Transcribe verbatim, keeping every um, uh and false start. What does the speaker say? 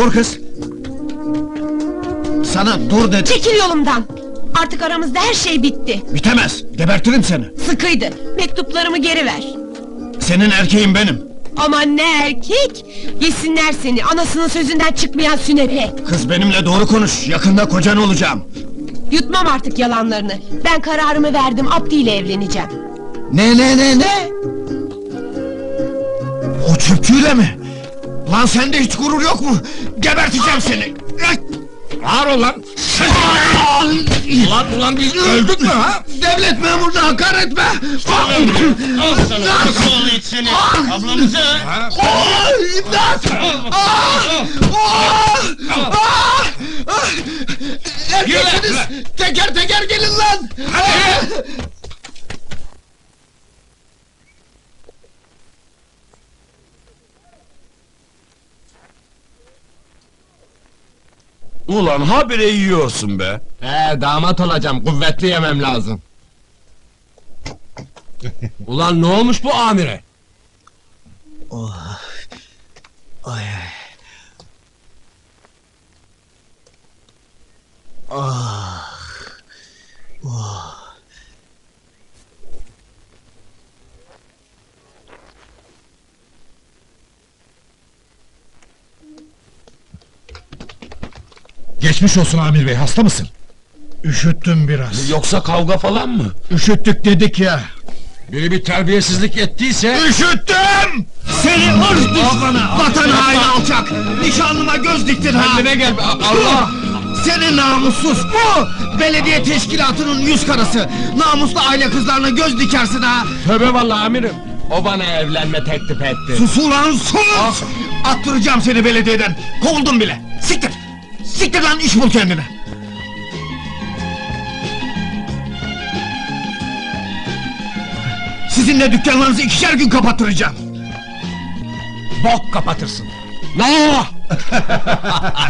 Dur kız! Sana dur dedim! Çekil yolumdan! Artık aramızda her şey bitti! Bitemez! Gebertirim seni! Sıkıydı! Mektuplarımı geri ver! Senin erkeğin benim! Aman ne erkek! Yesinler seni, anasının sözünden çıkmayan sünepe! Kız benimle doğru konuş, yakında kocan olacağım! Yutmam artık yalanlarını! Ben kararımı verdim, Abdi ile evleneceğim! Ne ne ne ne? O çöpçüyle mi? Lan sende hiç gurur yok mu? Geberteceğim seni! Ağır ol lan! Ulan ulan biz öldük mü ha? Devlet memuruna hakaret etme! Al sana! Nasıl et seni? Ablamızı! Oh, İmdat! Ah! Oh! Ah! Ah! Erkeksiniz! Teker teker gelin lan! Ulan habire yiyorsun be! Ee, damat olacağım, kuvvetli yemem lazım. Ulan ne olmuş bu amire? Ay. Ah. Oh. Geçmiş olsun amir bey, hasta mısın? Üşüttüm biraz. Yoksa kavga falan mı? Üşüttük dedik ya. Biri bir terbiyesizlik ettiyse... Üşüttüm! Seni ırz düşmanı, vatan haini alçak! Nişanlıma göz diktin ha! Kendine gel, Allah! Seni namussuz, bu! Belediye teşkilatının yüz karası! Namuslu aile kızlarına göz dikersin ha! Tövbe vallahi amirim! O bana evlenme teklif etti. Sus ulan sus! Attıracağım seni belediyeden, kovuldum bile! Siktir! Siktir lan, iş bul kendine! Sizinle dükkanlarınızı ikişer gün kapattıracağım! Bok kapatırsın! No!